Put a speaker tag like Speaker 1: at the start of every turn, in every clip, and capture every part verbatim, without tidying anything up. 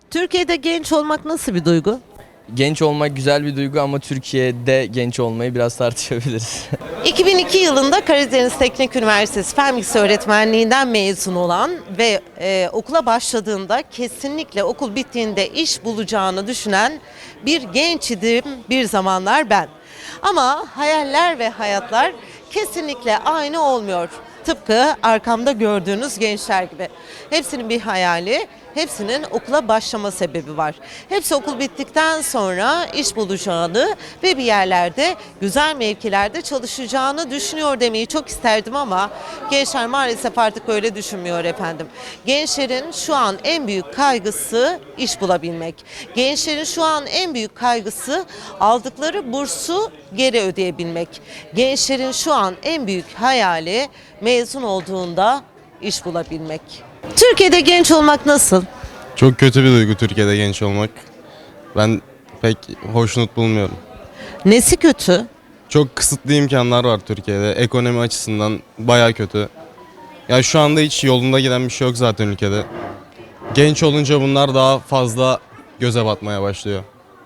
Speaker 1: Türkiye'de genç olmak nasıl bir duygu?
Speaker 2: Genç olmak güzel bir duygu ama Türkiye'de genç olmayı biraz tartışabiliriz.
Speaker 1: iki bin iki yılında Karadeniz Teknik Üniversitesi Fen Bilgisi Öğretmenliğinden mezun olan ve e, okula başladığında kesinlikle okul bittiğinde iş bulacağını düşünen bir genç idim bir zamanlar ben. Ama hayaller ve hayatlar kesinlikle aynı olmuyor. Tıpkı arkamda gördüğünüz gençler gibi. Hepsinin bir hayali, hepsinin okula başlama sebebi var. Hepsi okul bittikten sonra iş bulacağını ve bir yerlerde güzel mevkilerde çalışacağını düşünüyor demeyi çok isterdim ama gençler maalesef artık öyle düşünmüyor efendim. Gençlerin şu an en büyük kaygısı iş bulabilmek. Gençlerin şu an en büyük kaygısı aldıkları bursu geri ödeyebilmek. Gençlerin şu an en büyük hayali mezun olduğunda iş bulabilmek. Türkiye'de genç olmak nasıl?
Speaker 3: Çok kötü bir duygu Türkiye'de genç olmak. Ben pek hoşnut bulmuyorum.
Speaker 1: Nesi kötü?
Speaker 3: Çok kısıtlı imkanlar var Türkiye'de. Ekonomi açısından baya kötü. Ya şu anda hiç yolunda giden bir şey yok zaten ülkede. Genç olunca bunlar daha fazla göze batmaya başlıyor.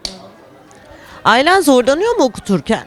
Speaker 1: Ailen zorlanıyor mu okuturken?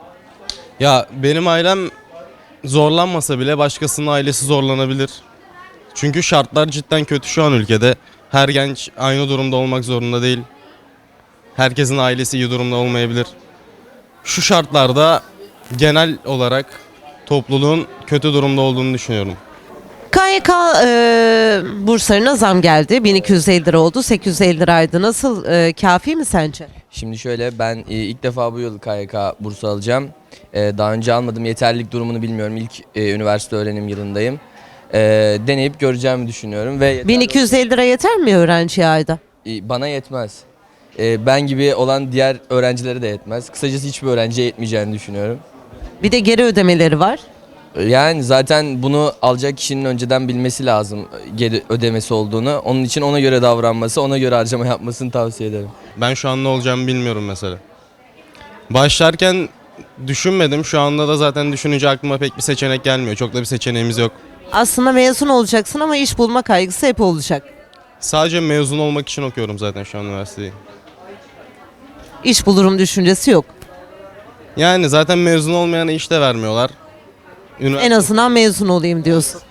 Speaker 3: Ya benim ailem zorlanmasa bile başkasının ailesi zorlanabilir. Çünkü şartlar cidden kötü şu an ülkede. Her genç aynı durumda olmak zorunda değil. Herkesin ailesi iyi durumda olmayabilir. Şu şartlarda genel olarak topluluğun kötü durumda olduğunu düşünüyorum.
Speaker 1: K Y K e, burslarına zam geldi. bin iki yüz elli lira oldu. sekiz yüz elli liraydı. Nasıl? E, kafi mi sence?
Speaker 2: Şimdi şöyle ben e, ilk defa bu yıl K Y K bursu alacağım. E, Daha önce almadım. Yeterlilik durumunu bilmiyorum. İlk e, üniversite öğrenim yılındayım. E, Deneyip göreceğimi düşünüyorum ve yeterli-
Speaker 1: bin iki yüz elli lira yeter mi öğrenciye ayda?
Speaker 2: E, bana yetmez. E, Ben gibi olan diğer öğrencilere de yetmez. Kısacası hiçbir öğrenciye yetmeyeceğini düşünüyorum.
Speaker 1: Bir de geri ödemeleri var.
Speaker 2: Yani zaten bunu alacak kişinin önceden bilmesi lazım geri ödemesi olduğunu. Onun için ona göre davranması, ona göre harcama yapmasını tavsiye ederim.
Speaker 3: Ben şu an ne olacağımı bilmiyorum mesela. Başlarken düşünmedim. Şu anda da zaten düşününce aklıma pek bir seçenek gelmiyor. Çok da bir seçeneğimiz yok.
Speaker 1: Aslında mezun olacaksın ama iş bulma kaygısı hep olacak.
Speaker 3: Sadece mezun olmak için okuyorum zaten şu an üniversiteyi.
Speaker 1: İş bulurum düşüncesi yok.
Speaker 3: Yani zaten mezun olmayana iş de vermiyorlar. Ünivers-
Speaker 1: En azından mezun olayım diyorsun.